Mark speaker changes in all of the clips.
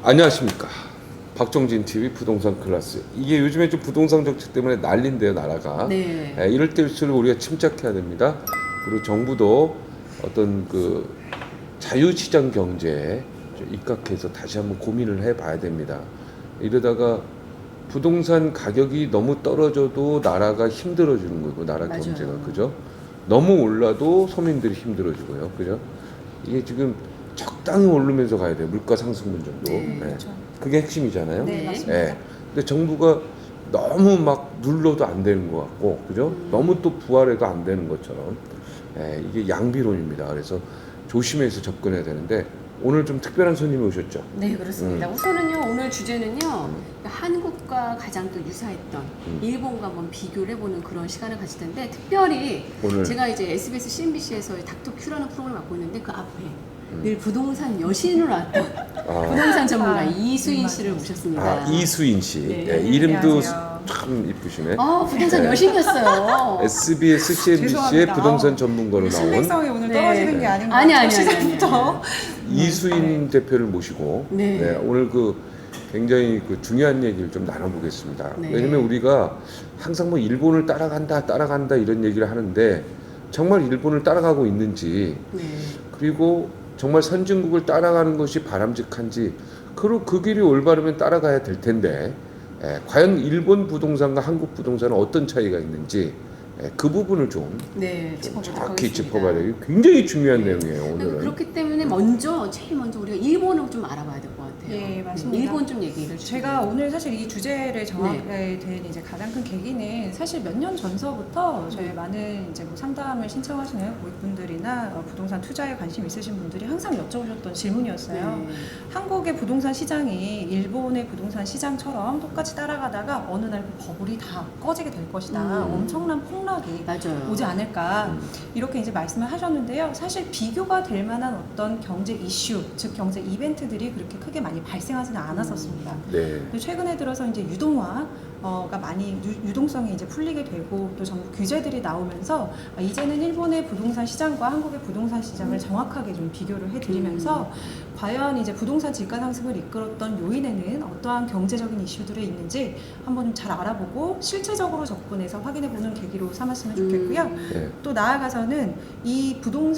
Speaker 1: 안녕하십니까. 박정진 TV 부동산 클래스. 이게 요즘에 좀 부동산 정책 때문에 난린데요, 나라가.
Speaker 2: 네.
Speaker 1: 이럴 때일수록 우리가 침착해야 됩니다. 그리고 정부도 어떤 그 자유시장 경제에 좀 입각해서 다시 한번 고민을 해봐야 됩니다. 이러다가 부동산 가격이 너무 떨어져도 나라가 힘들어지는 거고, 나라
Speaker 2: 맞아요.
Speaker 1: 경제가, 그죠? 너무 올라도 서민들이 힘들어지고요, 그죠? 이게 지금 적당히 오르면서 가야 돼요. 물가 상승분 정도.
Speaker 2: 네, 그렇죠.
Speaker 1: 그게 핵심이잖아요.
Speaker 2: 네,
Speaker 3: 맞습니다.
Speaker 1: 근데 정부가 너무 막 눌러도 안 되는 것 같고, 그죠? 너무 또 부활해도 안 되는 것처럼. 이게 양비론입니다. 그래서 조심해서 접근해야 되는데, 오늘 좀 특별한 손님이 오셨죠?
Speaker 2: 네, 그렇습니다. 우선은요, 오늘 주제는요, 한국과 가장 또 유사했던 일본과 한번 비교를 해보는 그런 시간을 가질 텐데, 특별히
Speaker 1: 오늘
Speaker 2: 제가 이제 SBS, CNBC에서 닥터 큐라는 프로그램을 맡고 있는데, 그 앞에 늘 부동산 여신으로 왔던 부동산 전문가 이수인 씨를 모셨습니다.
Speaker 1: 이수인 씨.
Speaker 2: 네.
Speaker 1: 이름도
Speaker 3: 안녕하세요.
Speaker 1: 참 이쁘시네.
Speaker 2: 부동산
Speaker 1: 네.
Speaker 2: 여신이었어요.
Speaker 1: SBS, CNBC의
Speaker 3: 죄송합니다.
Speaker 1: 부동산 전문가로 나온
Speaker 3: 신빙성이 오늘
Speaker 2: 네.
Speaker 3: 떨어지는 게 아닌가.
Speaker 2: 아니.
Speaker 3: 시작부터.
Speaker 1: 이수인 대표를 모시고
Speaker 2: 네.
Speaker 1: 오늘 그 굉장히 그 중요한 얘기를 좀 나눠보겠습니다.
Speaker 2: 네.
Speaker 1: 왜냐면 우리가 항상 뭐 일본을 따라간다 이런 얘기를 하는데 정말 일본을 따라가고 있는지,
Speaker 2: 네.
Speaker 1: 그리고 정말 선진국을 따라가는 것이 바람직한지, 그리고 그 길이 올바르면 따라가야 될 텐데, 과연 일본 부동산과 한국 부동산은 어떤 차이가 있는지, 그 부분을 좀
Speaker 2: 네,
Speaker 1: 정확히
Speaker 2: 짚어보겠습니다.
Speaker 1: 짚어봐야 돼요. 굉장히 중요한 내용이에요, 오늘은.
Speaker 2: 그렇기 때문에 제일 먼저 우리가 일본을 좀 알아봐야 될 것 같아요.
Speaker 3: 예, 맞습니다.
Speaker 2: 일본 좀 얘기를
Speaker 3: 제가 오늘 사실 이 주제를 정하게
Speaker 2: 네.
Speaker 3: 된 이제 가장 큰 계기는 사실 몇 년 전서부터 저희 많은 이제 뭐 상담을 신청하시는 고객분들이나 부동산 투자에 관심 있으신 분들이 항상 여쭤보셨던 질문이었어요.
Speaker 2: 네.
Speaker 3: 한국의 부동산 시장이 일본의 부동산 시장처럼 똑같이 따라가다가 어느 날 그 버블이 다 꺼지게 될 것이다. 엄청난 폭락이
Speaker 2: 맞아요.
Speaker 3: 오지 않을까 이렇게 이제 말씀을 하셨는데요. 사실 비교가 될 만한 어떤 경제 이슈, 즉 경제 이벤트들이 그렇게 크게 많이 발생하지는 않았었습니다.
Speaker 1: 네.
Speaker 3: 근데 최근에 들어서 이제 유동화가 많이 유동성이 이제 풀리게 되고 또 정부 규제들이 나오면서 이제는 일본의 부동산 시장과 한국의 부동산 시장을 정확하게 좀 비교를 해드리면서 과연 이제 부동산 지가 상승을 이끌었던 요인에는 어떠한 경제적인 이슈들이 있는지 한번 좀 잘 알아보고 실체적으로 접근해서 확인해보는 계기로 삼았으면 좋겠고요.
Speaker 1: 네.
Speaker 3: 또 나아가서는 이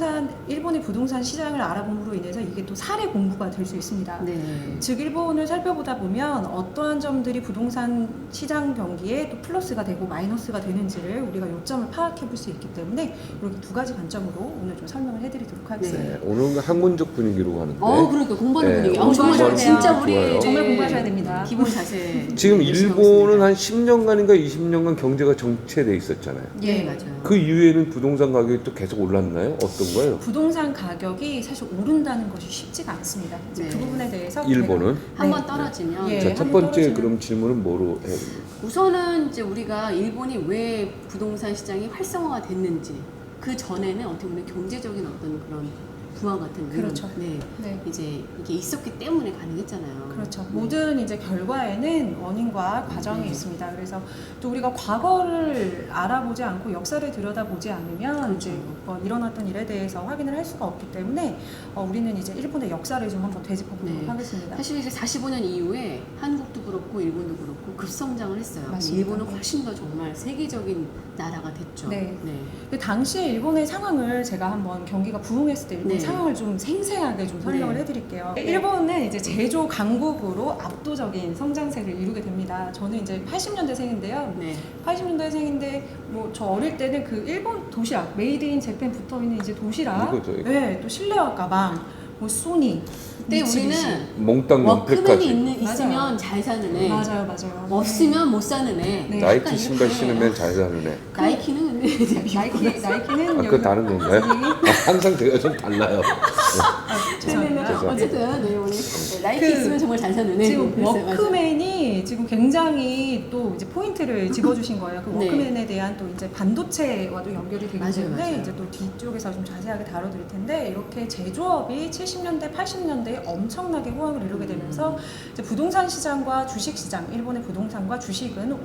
Speaker 3: 일본의 부동산 시장을 알아봄으로 인해서 이게 또 사례 공부가 될 수 있습니다.
Speaker 2: 네.
Speaker 3: 즉 일본을 살펴보다 보면 어떠한 점들이 부동산 시장 경기에 또 플러스가 되고 마이너스가 되는지를 우리가 요점을 파악해 볼 수 있기 때문에 이렇게 두 가지 관점으로 오늘 좀 설명을 해드리도록 하겠습니다.
Speaker 1: 네. 오늘은 학문적 분위기로 가는데,
Speaker 2: 그러니까 공부하는
Speaker 1: 네,
Speaker 2: 분위기.
Speaker 3: 공부하셔야
Speaker 2: 정말
Speaker 3: 돼요.
Speaker 2: 진짜 우리
Speaker 1: 좋아요.
Speaker 3: 정말 공부하셔야 됩니다.
Speaker 2: 기본 자세.
Speaker 1: 지금
Speaker 2: 열심히 하고
Speaker 1: 일본은
Speaker 2: 있습니다.
Speaker 1: 한 10년간인가 20년간 경제가 정체돼 있었잖아요.
Speaker 2: 네, 맞아요.
Speaker 1: 그 이후에는 부동산 가격이 또 계속 올랐나요? 어떤 거예요?
Speaker 3: 부동산 가격이 사실 오른다는 것이 쉽지가 않습니다. 이제
Speaker 2: 네.
Speaker 3: 그 부분에 대해서
Speaker 1: 일본은?
Speaker 2: 한번
Speaker 3: 네.
Speaker 2: 떨어지면
Speaker 3: 예.
Speaker 1: 자, 첫
Speaker 3: 한번
Speaker 1: 번째
Speaker 3: 떨어지면-
Speaker 1: 그럼 질문은 뭐로 해야 됩니까?
Speaker 2: 우선은 이제 우리가 일본이 왜 부동산 시장이 활성화가 됐는지, 그 전에는 어떻게 보면 경제적인 어떤 그런 부황 같은 게
Speaker 3: 그렇죠.
Speaker 2: 네.
Speaker 3: 네.
Speaker 2: 이제 이게 있었기 때문에 가능했잖아요.
Speaker 3: 그렇죠.
Speaker 2: 네.
Speaker 3: 모든 이제 결과에는 원인과 과정이
Speaker 2: 네.
Speaker 3: 있습니다. 그래서 또 우리가 과거를 알아보지 않고 역사를 들여다보지 않으면
Speaker 2: 그렇죠.
Speaker 3: 이제 일어났던 일에 대해서 확인을 할 수가 없기 때문에 우리는 이제 일본의 역사를 좀 한번 되짚어보도록
Speaker 2: 네.
Speaker 3: 하겠습니다.
Speaker 2: 사실 이제 45년 이후에 한국도 그렇고 일본도 그렇고 급성장을 했어요.
Speaker 3: 맞습니다.
Speaker 2: 일본은 훨씬 더 정말 세계적인 나라가 됐죠.
Speaker 3: 네.
Speaker 2: 네.
Speaker 3: 그 당시에 일본의 상황을 제가 한번 경기가 부흥했을 때 일본
Speaker 2: 네.
Speaker 3: 상황을 좀 생생하게 좀 설명을
Speaker 2: 네.
Speaker 3: 해드릴게요. 일본은 이제 제조 강국으로 압도적인 성장세를 이루게 됩니다. 저는 이제 80년대생인데요.
Speaker 2: 네.
Speaker 3: 80년대생인데 뭐 저 어릴 때는 그 일본 도시락 메이드 인 재팬 붙어 있는 이제 도시락,
Speaker 1: 이거죠, 이거.
Speaker 3: 네, 또 실내화 가방, 뭐 소니,
Speaker 2: 그때
Speaker 3: 미쓰비시.
Speaker 2: 우리는
Speaker 1: 몽땅
Speaker 2: 워크맨이
Speaker 1: 명패까지.
Speaker 2: 있으면
Speaker 3: 맞아요.
Speaker 2: 잘 사는 애,
Speaker 3: 맞아요, 맞아요.
Speaker 2: 없으면 못 사는 애.
Speaker 3: 네.
Speaker 1: 나이키
Speaker 2: 약간
Speaker 1: 신발
Speaker 2: 이렇게.
Speaker 1: 신으면 잘 사는 애.
Speaker 2: 나이키는 근데 이제
Speaker 3: 나이키는
Speaker 1: 그거 다른 건가요? 항상 제가 좀 달라요.
Speaker 3: 죄송합니다.
Speaker 1: 죄송합니다.
Speaker 2: 어쨌든 네, 오늘 나이키
Speaker 3: 그
Speaker 2: 있으면 정말 잘 사는 애.
Speaker 3: 지금
Speaker 2: 그랬어요. 맞아요.
Speaker 3: 워크맨이 지금 굉장히 또 이제 포인트를 집어주신 거예요. 그
Speaker 2: 네.
Speaker 3: 워크맨에 대한 또 이제 반도체와도 연결이 되기
Speaker 2: 맞아요,
Speaker 3: 때문에
Speaker 2: 맞아요.
Speaker 3: 이제 또 뒤쪽에서 좀 자세하게 다뤄드릴 텐데 이렇게 제조업이 70년대, 80년대에 엄청나게 호황을 이루게 되면서 이제 부동산 시장과 주식 시장, 일본의 부동산과 주식은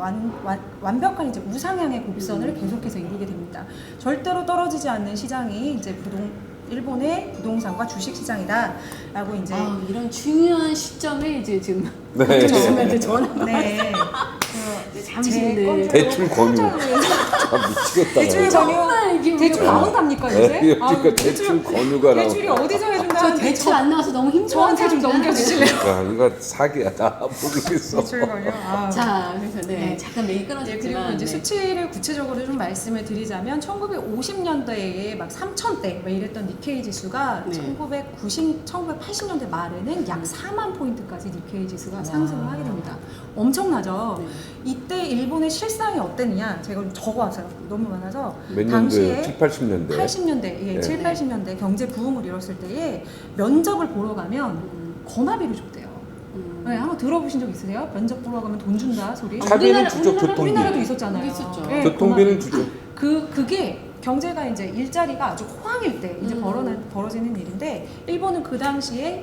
Speaker 3: 완벽한 이제 우상향의 곡선을 계속해서 이루게 됩니다. 절대로 떨어지지 않는 시장이 이제 일본의 부동산과 주식 시장이다라고 이제
Speaker 2: 이런 중요한 시점에 이제 지금
Speaker 1: 네.
Speaker 2: 교수님한테 전화.
Speaker 3: 네.
Speaker 2: 잠시
Speaker 3: 제
Speaker 2: 네.
Speaker 3: 건줄
Speaker 1: 대출 권유.
Speaker 3: 깜짝
Speaker 1: 아, 미치겠다.
Speaker 3: 대출
Speaker 2: 정말 이게
Speaker 3: 대출
Speaker 2: 우리가-
Speaker 3: 나온답니까 요새?
Speaker 1: 그러니까 대출 권유가 나와.
Speaker 3: 대출이 어디서
Speaker 2: 저
Speaker 3: 해준다는
Speaker 2: 대출 안 나와서 너무 힘들어.
Speaker 3: 저한테 좀 넘겨주실래요?
Speaker 1: 야, 이거 사기야. 나 모르겠어.
Speaker 3: 대출 권유.
Speaker 2: 자, 그래서
Speaker 3: 네.
Speaker 2: 잠깐 얘기
Speaker 3: 네,
Speaker 2: 끊어졌지만
Speaker 3: 그리고 이제
Speaker 2: 네.
Speaker 3: 수치를 구체적으로 좀 말씀을 드리자면 1950년대에 막 3,000대 막 이랬던 니케이 지수가
Speaker 2: 네.
Speaker 3: 1980년대 말에는 약 4만 포인트까지 니케이 지수가
Speaker 2: 와.
Speaker 3: 상승을 하게 됩니다. 엄청나죠.
Speaker 2: 네.
Speaker 3: 이때 일본의 실상이 어땠느냐 제가 좀 적어왔어요. 너무 많아서
Speaker 1: 몇
Speaker 3: 당시에
Speaker 1: 년도에? 7, 80년대.
Speaker 3: 80년대, 예,
Speaker 1: 네.
Speaker 3: 7, 80년대 경제 부흥을 이뤘을 때에 면접을 보러 가면 거마비를 줬대요. 네, 한번 들어보신 적 있으세요? 면접 보러 가면 돈 준다 소리.
Speaker 1: 차비는 주죠, 교통비.
Speaker 3: 우리나라도 있었잖아요.
Speaker 2: 있었죠.
Speaker 3: 네,
Speaker 1: 교통비는
Speaker 3: 거마비.
Speaker 1: 주죠.
Speaker 3: 그게 경제가 이제 일자리가 아주 호황일 때 이제 벌어지는 일인데 일본은 그 당시에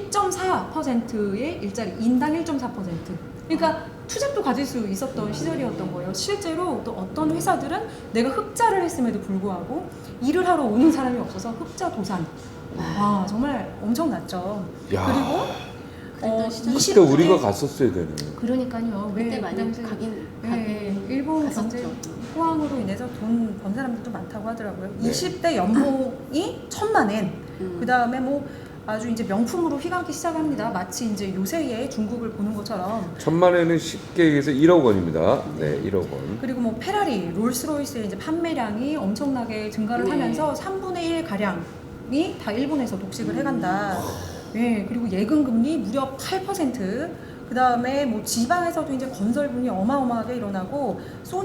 Speaker 3: 1.4%의 일자리, 인당 1.4%. 그러니까 투잡도 가질 수 있었던 시절이었던 거예요. 실제로 또 어떤 회사들은 내가 흑자를 했음에도 불구하고 일을 하러 오는 사람이 없어서 흑자 도산. 와, 정말 엄청났죠.
Speaker 1: 야.
Speaker 3: 그리고
Speaker 2: 그랬던 시절.
Speaker 3: 20대
Speaker 1: 그때 우리가 갔었어야 되네.
Speaker 3: 그러니까요.
Speaker 2: 그때
Speaker 3: 그
Speaker 2: 많이
Speaker 3: 당시에
Speaker 2: 가긴
Speaker 3: 일본
Speaker 2: 갔었죠.
Speaker 3: 경제 호황으로 인해서 돈 번 사람들도 많다고 하더라고요.
Speaker 1: 네.
Speaker 3: 20대 연봉이 1,000만 엔. 그 다음에 뭐 아주 이제 명품으로 휘감기 시작합니다. 마치 이제 요새의 중국을 보는 것처럼.
Speaker 1: 1,000만 원은 쉽게 얘기해서 1억 원입니다. 네, 1억 원.
Speaker 3: 그리고 뭐 페라리, 롤스로이스의 이제 판매량이 엄청나게 증가를
Speaker 2: 네.
Speaker 3: 하면서 3분의 1 가량이 다 일본에서 독식을 해간다. 네, 그리고 예금 금리 무려 8%. 그 다음에 뭐 지방에서도 이제 건설 분이 어마어마하게 일어나고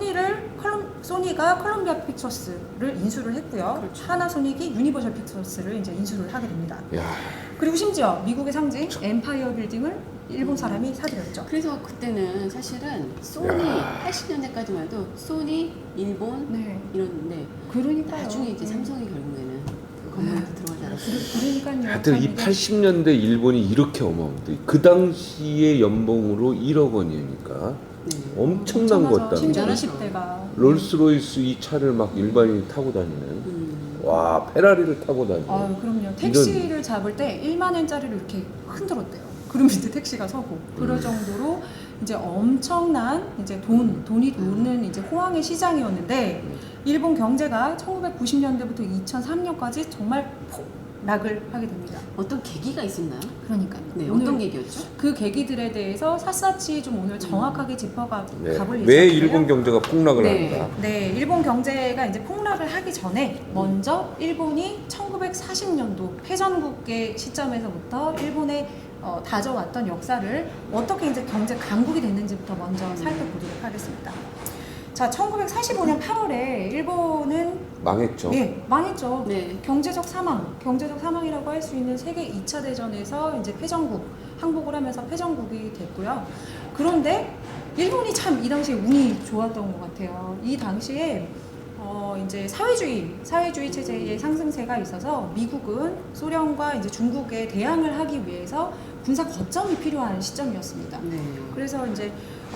Speaker 3: 소니가 컬럼비아 픽처스를 인수를 했고요.
Speaker 2: 그렇죠.
Speaker 3: 하나소닉이 유니버셜 픽처스를 이제 인수를 하게 됩니다.
Speaker 1: 야,
Speaker 3: 그리고 심지어 미국의 상징 엠파이어 빌딩을 일본 사람이 사들였죠.
Speaker 2: 그래서 그때는 사실은 소니
Speaker 1: 야.
Speaker 2: 80년대까지만 해도 소니, 일본
Speaker 3: 네,
Speaker 2: 이런데
Speaker 3: 그러니까요.
Speaker 2: 나중에 이제
Speaker 3: 네.
Speaker 2: 삼성이 결국에는 그 건물로 들어가지 않았어요.
Speaker 3: 그러니까요.
Speaker 1: 하여튼
Speaker 3: 참
Speaker 1: 이
Speaker 3: 이게
Speaker 1: 80년대 일본이 이렇게 어마어마해. 그 당시의 연봉으로 1억 원이니까
Speaker 2: 네.
Speaker 1: 엄청난
Speaker 3: 엄청나죠.
Speaker 1: 것다.
Speaker 3: 심지어
Speaker 2: 대단하죠.
Speaker 3: 20대가
Speaker 1: 롤스로이스 이 차를 막 일반인이 타고 다니는. 와, 페라리를 타고 다니는.
Speaker 3: 아유, 그럼요. 택시를 잡을 때 1만 엔짜리를 이렇게 흔들었대요. 그럼 이제 택시가 서고 그럴 정도로 이제 엄청난 이제 돈이 도는 이제 호황의 시장이었는데 일본 경제가 1990년대부터 2003년까지 정말 폭락을 하게 됩니다.
Speaker 2: 어떤 계기가 있었나요?
Speaker 3: 그러니까요.
Speaker 2: 네,
Speaker 3: 오늘
Speaker 2: 어떤 계기였죠?
Speaker 3: 그 계기들에 대해서 샅샅이 좀 오늘 정확하게 짚어가
Speaker 1: 네.
Speaker 3: 가볼 예정인데요.
Speaker 1: 왜 일본 경제가 폭락을
Speaker 2: 네.
Speaker 1: 합니다.
Speaker 3: 네, 일본 경제가 이제 폭락을 하기 전에 먼저 일본이 1940년도 패전국의 시점에서부터 일본의 다져왔던 역사를 어떻게 이제 경제 강국이 됐는지부터 먼저 살펴보도록 하겠습니다. 자, 1945년 8월에 일본은
Speaker 1: 망했죠.
Speaker 3: 망했죠.
Speaker 2: 네.
Speaker 3: 경제적 사망이라고 할 수 있는 세계 2차 대전에서 이제 패전국 항복을 하면서 패전국이 됐고요. 그런데 일본이 참 이 당시에 운이 좋았던 것 같아요. 이 당시에 이제 사회주의 체제의 상승세가 있어서 미국은 소련과 이제 중국에 대항을 하기 위해서 군사 거점이 필요한 시점이었습니다.
Speaker 2: 네.
Speaker 3: 그래서 이제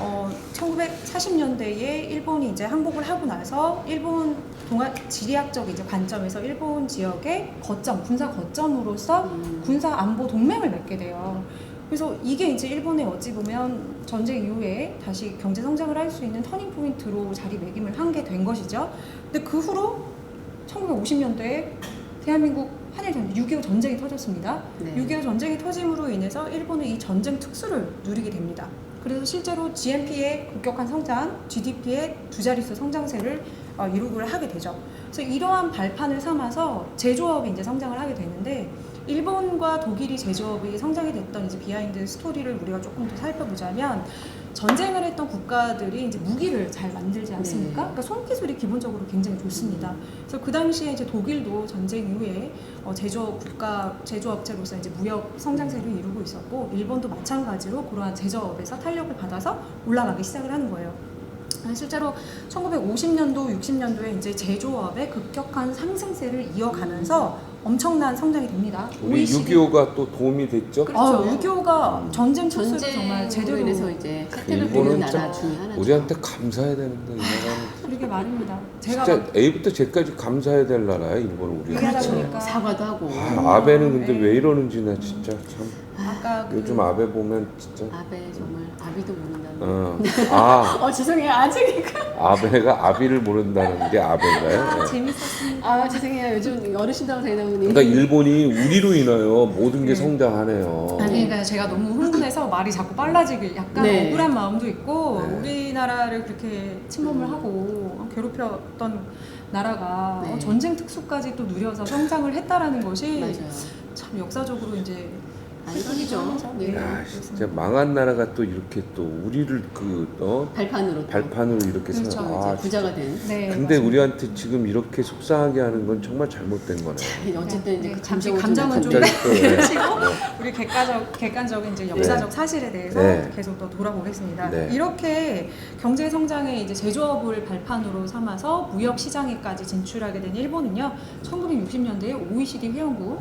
Speaker 3: 1940년대에 일본이 이제 항복을 하고 나서 일본 지리학적 이제 관점에서 일본 지역의 군사 거점으로서 군사 안보 동맹을 맺게 돼요. 그래서 이게 이제 일본의 어찌 보면 전쟁 이후에 다시 경제 성장을 할 수 있는 터닝 포인트로 자리매김을 한 게 된 것이죠. 근데 그 후로 1950년대에 대한민국 한일 6.25 전쟁이 터졌습니다.
Speaker 2: 네.
Speaker 3: 6.25 전쟁이 터짐으로 인해서 일본은 이 전쟁 특수를 누리게 됩니다. 그래서 실제로 GNP의 급격한 성장, GDP의 두 자릿수 성장세를 이루고 하게 되죠. 그래서 이러한 발판을 삼아서 제조업이 이제 성장을 하게 되는데 일본과 독일이 제조업이 성장이 됐던 이제 비하인드 스토리를 우리가 조금 더 살펴보자면 전쟁을 했던 국가들이 이제 무기를 잘 만들지 않습니까?
Speaker 2: 네.
Speaker 3: 그러니까 손기술이 기본적으로 굉장히 좋습니다. 그래서 그 당시에 이제 독일도 전쟁 이후에 제조업체로서 이제 무역 성장세를 이루고 있었고 일본도 마찬가지로 그러한 제조업에서 탄력을 받아서 올라가기 시작을 하는 거예요. 실제로 1950년도, 60년도에 이제 제조업의 급격한 상승세를 이어가면서 엄청난 성장이 됩니다.
Speaker 1: 우리 6.25가 또 도움이 됐죠.
Speaker 2: 그렇죠.
Speaker 3: 6.25가 전쟁 특수를
Speaker 2: 전쟁으로
Speaker 3: 정말 제대로
Speaker 2: 인해서 이제 혜택을
Speaker 1: 일본은
Speaker 2: 받는 나라
Speaker 1: 참
Speaker 2: 중에 하나죠.
Speaker 1: 우리한테 감사해야 되는데 이 나라는
Speaker 3: 그러게 말입니다. 제가
Speaker 1: 진짜
Speaker 3: 막
Speaker 1: A부터 Z까지 감사해야 될 나라야 일본 우리.
Speaker 3: 얘기하다
Speaker 2: 그렇죠.
Speaker 3: 보니까
Speaker 2: 사과도 하고.
Speaker 1: 아베는 근데
Speaker 3: 네.
Speaker 1: 왜 이러는지 나 진짜 참.
Speaker 3: 아까
Speaker 1: 요즘 아베 보면 진짜.
Speaker 2: 아베 정말 아비도 모른다는. 죄송해요. 아직.
Speaker 1: 아베가 아비를 모른다는 게 아베인가요? 네.
Speaker 3: 재밌었습니다.
Speaker 2: 죄송해요. 요즘 어르신다고 되다 보니.
Speaker 1: 그러니까 일본이 우리로 인하여 모든 게
Speaker 3: 네.
Speaker 1: 성장하네요.
Speaker 3: 그러니까 제가 너무 흥분해서 말이 자꾸 빨라지길 약간
Speaker 2: 네.
Speaker 3: 억울한 마음도 있고
Speaker 1: 네.
Speaker 3: 우리나라를 그렇게 침범을 하고 괴롭혔던 나라가
Speaker 2: 네.
Speaker 3: 전쟁 특수까지 또 누려서 성장을 했다라는 것이
Speaker 2: 맞아요.
Speaker 3: 참 역사적으로 이제
Speaker 2: 아니죠. 네.
Speaker 1: 야, 진짜 망한 나라가 또 이렇게 또 우리를
Speaker 2: 발판으로.
Speaker 1: 발판으로 이렇게
Speaker 3: 그렇죠.
Speaker 1: 생-
Speaker 2: 이제 부자가 된.
Speaker 3: 네,
Speaker 1: 근데
Speaker 3: 맞습니다.
Speaker 1: 우리한테 지금 이렇게 속상하게 하는 건 정말 잘못된 거네요.
Speaker 2: 어쨌든 이제
Speaker 3: 네,
Speaker 2: 그
Speaker 3: 잠시
Speaker 2: 감정은
Speaker 3: 감정은 좀
Speaker 1: 갑자기 또, 네.
Speaker 3: 펴시고 우리 객관적인 이제 역사적 사실에 대해서
Speaker 1: 네.
Speaker 3: 계속 더 돌아보겠습니다.
Speaker 1: 네.
Speaker 3: 이렇게 경제 성장의 이제 제조업을 발판으로 삼아서 무역 시장에까지 진출하게 된 일본은요, 1960년대에 OECD 회원국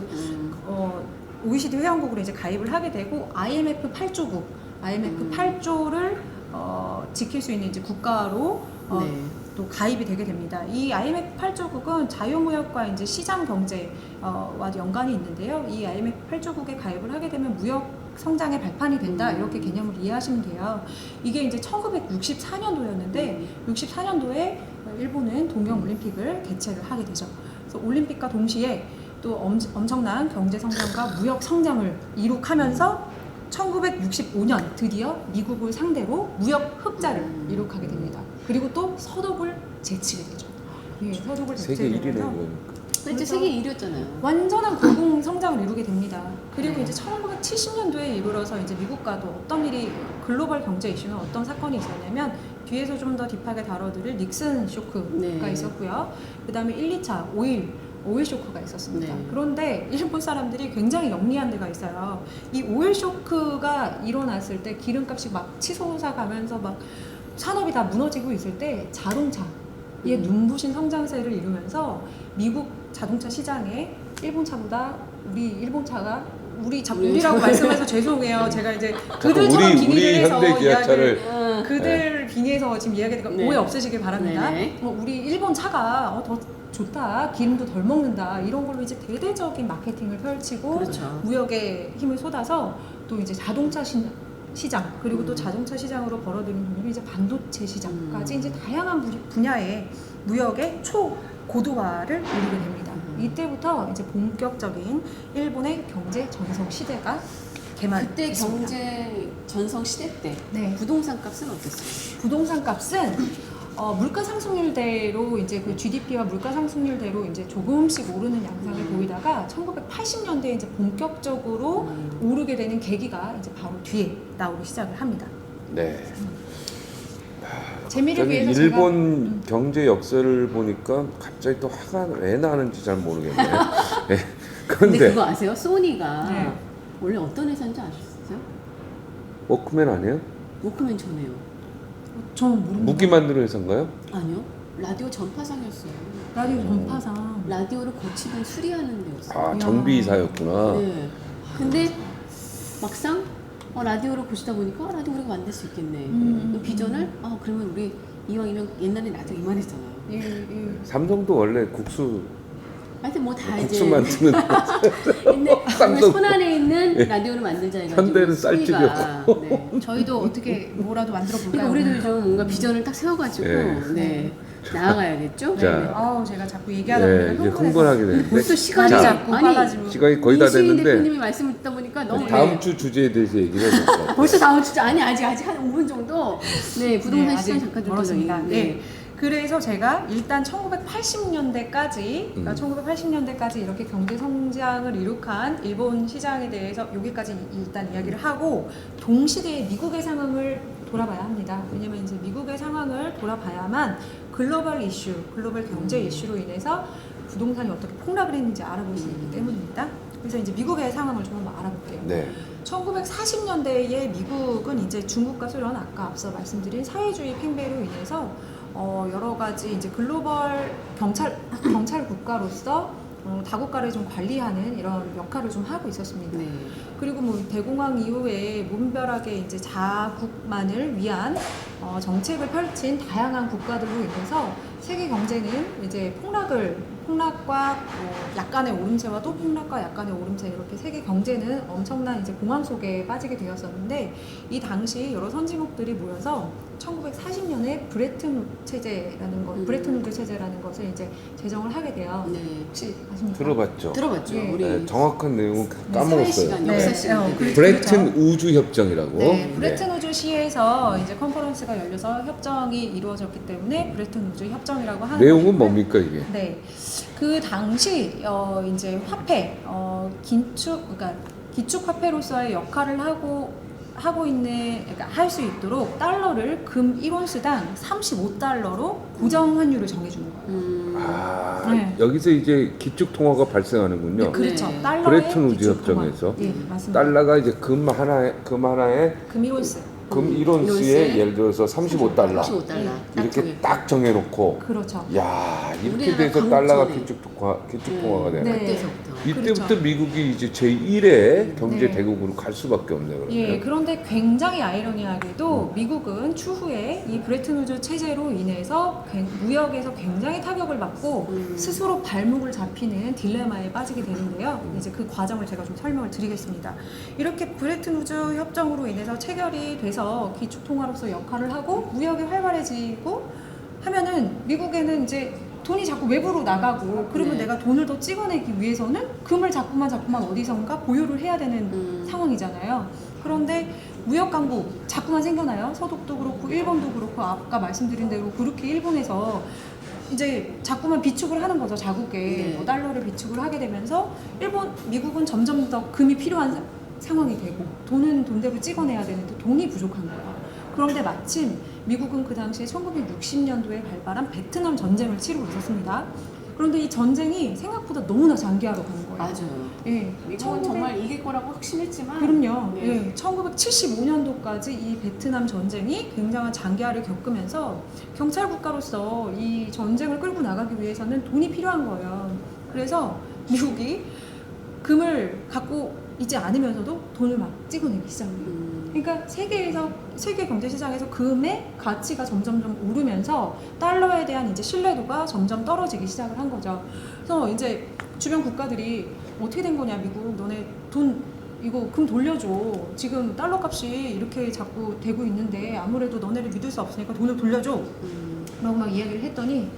Speaker 3: OECD 회원국으로 이제 가입을 하게 되고 IMF 8조국, IMF 8조를 지킬 수 있는 이제 국가로
Speaker 2: 네.
Speaker 3: 또 가입이 되게 됩니다. 이 IMF 8조국은 자유무역과 이제 시장 경제와 연관이 있는데요. 이 IMF 8조국에 가입을 하게 되면 무역 성장의 발판이 된다, 이렇게 개념을 이해하시면 돼요. 이게 이제 1964년도였는데 64년도에 일본은 동경올림픽을 개최를 하게 되죠. 그래서 올림픽과 동시에 또 엄청난 경제 성장과 무역 성장을 이룩하면서 1965년 드디어 미국을 상대로 무역 흑자를 이룩하게 됩니다. 그리고 또 서독을 제치게 되죠. 예, 서독을
Speaker 1: 세계
Speaker 3: 제치게
Speaker 1: 1위네
Speaker 3: 되면서
Speaker 2: 그렇죠.
Speaker 3: 그래서
Speaker 2: 세계 1위였잖아요.
Speaker 3: 완전한 공공 성장을 이루게 됩니다. 그리고
Speaker 2: 네.
Speaker 3: 이제 1970년도에 이르러서 이제 미국과도 어떤 일이 글로벌 경제 이슈는 어떤 사건이 있었냐면 뒤에서 좀 더 딥하게 다뤄드릴 닉슨 쇼크가
Speaker 2: 네.
Speaker 3: 있었고요. 그 다음에 1, 2차 오일 쇼크가 있었습니다.
Speaker 2: 네.
Speaker 3: 그런데 일본 사람들이 굉장히 영리한 데가 있어요. 이 오일 쇼크가 일어났을 때 기름값이 막 치솟아 가면서 막 산업이 다 무너지고 있을 때 자동차의 눈부신 성장세를 이루면서 미국 자동차 시장에 일본 차보다 우리 자꾸 우리라고 말씀해서 죄송해요. 제가 이제 그들처럼
Speaker 1: 우리
Speaker 3: 빙의를 해서
Speaker 1: 현대 기아차를
Speaker 3: 이야기를 그들 빙의해서 지금 이야기하니까
Speaker 2: 네.
Speaker 3: 오해 없으시길 바랍니다.
Speaker 2: 네.
Speaker 3: 우리 일본 차가 더 좋다, 기름도 덜 먹는다, 이런 걸로 이제 대대적인 마케팅을 펼치고
Speaker 2: 그렇죠.
Speaker 3: 무역에 힘을 쏟아서 또 이제 자동차 시장, 그리고 또 자동차 시장으로 벌어들인 돈으로 이제 반도체 시장까지 이제 다양한 분야의 무역의 초고도화를 이루게 됩니다. 이때부터 이제 본격적인 일본의 경제 전성 시대가
Speaker 2: 그때
Speaker 3: 개막했습니다.
Speaker 2: 경제 전성 시대 때
Speaker 3: 네.
Speaker 2: 부동산 값은 어땠어요?
Speaker 3: 부동산 값은 물가 상승률대로 이제 그 GDP와 물가 상승률대로 이제 조금씩 오르는 양상을 보이다가 1980년대에 이제 본격적으로 오르게 되는 계기가 이제 바로 뒤에 나오기 시작을 합니다.
Speaker 1: 네.
Speaker 3: 재미를
Speaker 1: 갑자기
Speaker 3: 위해서
Speaker 1: 일본 경제 역사를 보니까 갑자기 또 화가 왜 나는지 잘 모르겠네요. 네.
Speaker 2: 근데
Speaker 1: 그런데
Speaker 2: 그거 아세요? 소니가
Speaker 3: 네.
Speaker 2: 원래 어떤 회사인지 아셨어요?
Speaker 1: 워크맨 아니에요?
Speaker 2: 워크맨 전에요.
Speaker 3: 저는 모릅니다.
Speaker 1: 무기 만드는 회사인가요?
Speaker 2: 아니요. 라디오 전파상이었어요.
Speaker 3: 라디오 전파상.
Speaker 2: 라디오를 고치든 수리하는 데였어요.
Speaker 1: 아, 정비사였구나.
Speaker 2: 네. 근데 막상 라디오를 보시다 보니까 라디오 우리가 만들 수 있겠네. 그 비전을 그러면 우리 이왕이면 옛날에 라디오 이만했잖아요.
Speaker 3: 예.
Speaker 1: 삼성도 원래 국수
Speaker 2: 하여튼 뭐 다 이제
Speaker 1: 국수 만드는
Speaker 2: 근데
Speaker 1: 삼성.
Speaker 2: 손 안에 있는 라디오를 만들자 해가지고
Speaker 1: 현대는
Speaker 2: 소니가,
Speaker 1: 쌀집이었고.
Speaker 2: 네.
Speaker 3: 저희도 어떻게 뭐라도 만들어
Speaker 2: 그러니까
Speaker 3: 볼까요?
Speaker 2: 우리도 좀 뭔가 비전을 딱 세워가지고
Speaker 1: 네.
Speaker 2: 나아가야겠죠.
Speaker 1: 자.
Speaker 2: 네.
Speaker 3: 아우, 제가 자꾸 얘기하다
Speaker 1: 네,
Speaker 3: 보니까
Speaker 1: 이제 흥분하게 되는데
Speaker 2: 벌써 시간이
Speaker 1: 자,
Speaker 3: 자꾸 빨라지고.
Speaker 1: 시간이 거의 다
Speaker 2: 이수인
Speaker 1: 됐는데
Speaker 2: 대표님이 말씀을 듣다 보니까 너무
Speaker 1: 다음 주 주제에 대해서 얘기를 해볼 것 같아요.
Speaker 2: 벌써 다음 주 아니 아직 한 5분 정도 네 부동산
Speaker 3: 네,
Speaker 2: 시장
Speaker 3: 아직
Speaker 2: 잠깐 좀
Speaker 3: 멀었습니다.
Speaker 2: 더
Speaker 3: 네. 그래서 제가 일단 1980년대까지 그러니까 1980년대까지 이렇게 경제 성장을 이룩한 일본 시장에 대해서 여기까지 일단 이야기를 하고 동시대에 미국의 상황을 돌아봐야 합니다. 왜냐면 이제 미국의 상황을 돌아봐야만 글로벌 이슈, 글로벌 경제 이슈로 인해서 부동산이 어떻게 폭락을 했는지 알아볼 수 있기 때문입니다. 그래서 이제 미국의 상황을 좀 한번 알아볼게요.
Speaker 1: 네.
Speaker 3: 1940년대에 미국은 이제 중국과 소련, 아까 앞서 말씀드린 사회주의 팽배로 인해서 여러 가지 이제 글로벌 경찰 국가로서 다국가를 좀 관리하는 이런 역할을 좀 하고 있었습니다.
Speaker 2: 네.
Speaker 3: 그리고 뭐 대공황 이후에 무분별하게 이제 자국만을 위한 정책을 펼친 다양한 국가들로 인해서 세계 경제는 이제 폭락과 약간의 오름세와 또 폭락과 약간의 오름세, 이렇게 세계 경제는 엄청난 이제 공황 속에 빠지게 되었었는데, 이 당시 여러 선진국들이 모여서 1940년에 브레튼 우드 체제라는 것을 이제 제정을 하게 돼요.
Speaker 2: 네.
Speaker 3: 혹시 아십니까?
Speaker 1: 들어봤죠.
Speaker 2: 들어봤죠.
Speaker 3: 네.
Speaker 2: 우리
Speaker 1: 네, 정확한 내용은
Speaker 2: 사회
Speaker 1: 까먹었어요.
Speaker 2: 시간,
Speaker 3: 네.
Speaker 2: 역사 시간.
Speaker 3: 그렇죠.
Speaker 1: 브레튼 우주 협정이라고.
Speaker 3: 네, 브레튼 우즈 시에서 이제 컨퍼런스가 열려서 협정이 이루어졌기 때문에 브레튼 우즈 협정이라고 하는
Speaker 1: 내용은
Speaker 3: 것이고요.
Speaker 1: 뭡니까 이게?
Speaker 3: 네, 그 당시 이제 화폐, 그러니까 기축 화폐로서의 역할을 하고 있는, 그러니까 할 수 있도록 달러를 금 1온스당 35달러로 고정 환율을 정해주는 거예요. 네.
Speaker 1: 여기서 이제 기축 통화가 발생하는군요.
Speaker 3: 네, 그렇죠.
Speaker 2: 네.
Speaker 3: 달러의
Speaker 1: 브레튼 우즈
Speaker 3: 기축 통화.
Speaker 1: 협정에서
Speaker 3: 예, 맞습니다.
Speaker 1: 달러가 이제 금 하나에
Speaker 3: 금 1온스.
Speaker 1: 금 1온스에 예를 들어서 35달러
Speaker 2: 35달러.
Speaker 1: 이렇게 딱 정해놓고,
Speaker 3: 그렇죠.
Speaker 1: 야 이렇게
Speaker 2: 우리나라
Speaker 1: 돼서
Speaker 2: 강전에.
Speaker 1: 달러가 기축 통화가 되네.
Speaker 3: 네.
Speaker 2: 그때서부터.
Speaker 1: 이때부터
Speaker 3: 그렇죠.
Speaker 1: 미국이 이제 제1의 경제
Speaker 3: 네.
Speaker 1: 대국으로 갈 수밖에 없네 그러면.
Speaker 3: 예, 그런데 굉장히 아이러니하게도 미국은 추후에 이 브레튼 우즈 체제로 인해서 무역에서 굉장히 타격을 받고 스스로 발목을 잡히는 딜레마에 빠지게 되는데요. 이제 그 과정을 제가 좀 설명을 드리겠습니다. 이렇게 브레튼 우즈 협정으로 인해서 체결이 돼서 기축 통화로서 역할을 하고 무역이 활발해지고 하면은 미국에는 이제 돈이 자꾸 외부로 나가고, 그러면
Speaker 2: 네.
Speaker 3: 내가 돈을 더 찍어내기 위해서는 금을 자꾸만 어디선가 보유를 해야 되는 상황이잖아요. 그런데 무역 강국 자꾸만 생겨나요. 서독도 그렇고 일본도 그렇고, 아까 말씀드린 대로 그렇게 일본에서 이제 자꾸만 비축을 하는 거죠. 자국에
Speaker 2: 네.
Speaker 3: 달러를 비축을 하게 되면서 미국은 점점 더 금이 필요한 상황이 되고, 돈은 돈대로 찍어내야 되는데 돈이 부족한 거예요. 그런데 마침 미국은 그 당시에 1960년도에 발발한 베트남 전쟁을 치르고 있었습니다. 그런데 이 전쟁이 생각보다 너무나 장기화로 가는 거예요.
Speaker 2: 맞아요.
Speaker 3: 예,
Speaker 2: 미국은 정말 이길 거라고 확신했지만.
Speaker 3: 그럼요.
Speaker 2: 네.
Speaker 3: 예, 1975년도까지 이 베트남 전쟁이 굉장한 장기화를 겪으면서 경찰 국가로서 이 전쟁을 끌고 나가기 위해서는 돈이 필요한 거예요. 그래서 미국이 금을 갖고 있지 않으면서도 돈을 막 찍어내기 시작해요. 그러니까 세계 경제 시장에서 금의 가치가 점점 오르면서 달러에 대한 이제 신뢰도가 점점 떨어지기 시작을 한 거죠. 그래서 이제 주변 국가들이 어떻게 된 거냐, 미국 너네 돈 이거 금 돌려줘. 지금 달러 값이 이렇게 자꾸 되고 있는데 아무래도 너네를 믿을 수 없으니까 돈을 돌려줘. 라고 막 이야기를 했더니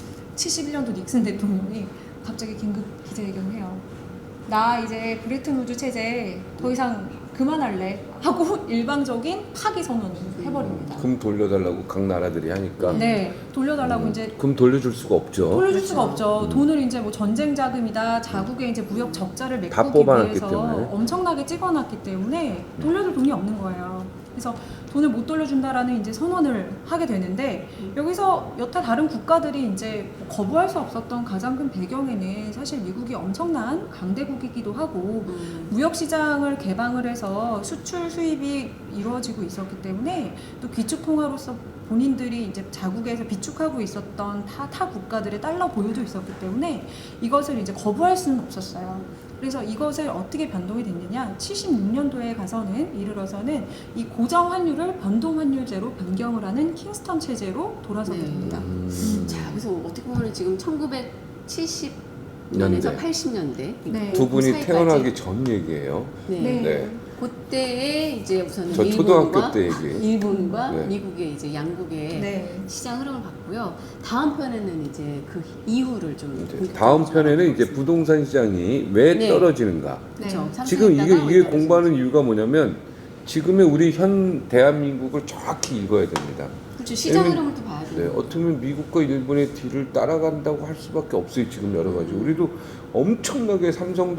Speaker 3: 71년도 닉슨 대통령이 갑자기 긴급 기자회견을 해요. 나 이제 브레튼 우즈 체제 더 이상 그만할래 하고 일방적인 파기 선언을 해버립니다.
Speaker 1: 금 돌려달라고 각 나라들이 하니까.
Speaker 3: 네, 돌려달라고 이제
Speaker 1: 금 돌려줄 수가 없죠.
Speaker 3: 돌려줄 수가 없죠. 돈을 이제 뭐 전쟁 자금이다, 자국의 이제 무역 적자를
Speaker 1: 다
Speaker 3: 메꾸기
Speaker 1: 뽑아놨기
Speaker 3: 위해서
Speaker 1: 때문에.
Speaker 3: 엄청나게 찍어놨기 때문에 돌려줄 돈이 없는 거예요. 그래서 돈을 못 돌려준다라는 이제 선언을 하게 되는데, 여기서 여타 다른 국가들이 이제 거부할 수 없었던 가장 큰 배경에는 사실 미국이 엄청난 강대국이기도 하고 무역 시장을 개방을 해서 수출 수입이 이루어지고 있었기 때문에, 또 기축 통화로서 본인들이 이제 자국에서 비축하고 있었던 타 국가들의 달러 보유도 있었기 때문에 이것을 이제 거부할 수는 없었어요. 그래서 이것을 어떻게 변동이 됐느냐, 76년도에 이르러서는 이 고정 환율을 변동 환율제로 변경을 하는 킹스턴 체제로 돌아서게
Speaker 2: 네.
Speaker 3: 됩니다.
Speaker 2: 자, 그래서 어떻게 보면 지금 1970년에서
Speaker 1: 년대.
Speaker 2: 80년대
Speaker 3: 네.
Speaker 1: 두 분이
Speaker 2: 사이까지.
Speaker 1: 태어나기 전 얘기예요.
Speaker 2: 네.
Speaker 3: 네.
Speaker 1: 네.
Speaker 2: 그때에 이제 우선
Speaker 1: 저 초등학교 때 얘기.
Speaker 2: 일본과
Speaker 1: 네.
Speaker 2: 미국의 이제 양국의
Speaker 3: 네.
Speaker 2: 시장 흐름을 봤고요. 다음 편에는 이제 그 이후를 좀
Speaker 1: 이제 다음 편에는 이제 부동산 시장이 왜
Speaker 2: 네.
Speaker 1: 떨어지는가.
Speaker 2: 그렇죠.
Speaker 3: 네.
Speaker 1: 지금 이게 공부하는 이유가 뭐냐면, 지금의 우리 현 대한민국을 정확히 읽어야 됩니다.
Speaker 2: 그렇죠. 시장
Speaker 1: 왜냐면-
Speaker 2: 흐름을 또 봐야 돼요.
Speaker 1: 네, 어떻게 보면 미국과 일본의 뒤를 따라간다고 할 수밖에 없어요. 지금 여러 가지. 우리도 엄청나게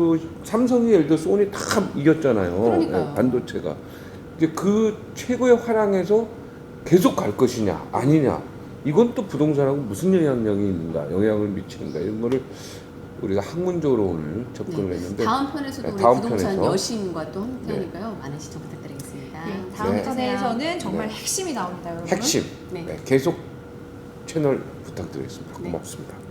Speaker 1: 삼성이 예를 들어 소니 다 이겼잖아요.
Speaker 2: 그러니까요.
Speaker 1: 네, 반도체가. 이제 그 최고의 화랑에서 계속 갈 것이냐 아니냐, 이건 또 부동산하고 무슨 영향을 미치는가, 이런 거를 우리가 학문적으로 오늘 접근을 했는데,
Speaker 2: 다음 편에서도
Speaker 1: 네,
Speaker 2: 우리
Speaker 1: 다음
Speaker 2: 부동산
Speaker 1: 편에서.
Speaker 2: 여신과 또 함께하니까요. 많은 시청 부탁드리겠습니다.
Speaker 3: 네, 다음
Speaker 1: 네.
Speaker 3: 편에서는 정말 핵심이 나옵니다, 여러분.
Speaker 1: 핵심.
Speaker 2: 네.
Speaker 1: 네, 계속 채널 부탁드리겠습니다.
Speaker 2: 네.
Speaker 1: 고맙습니다.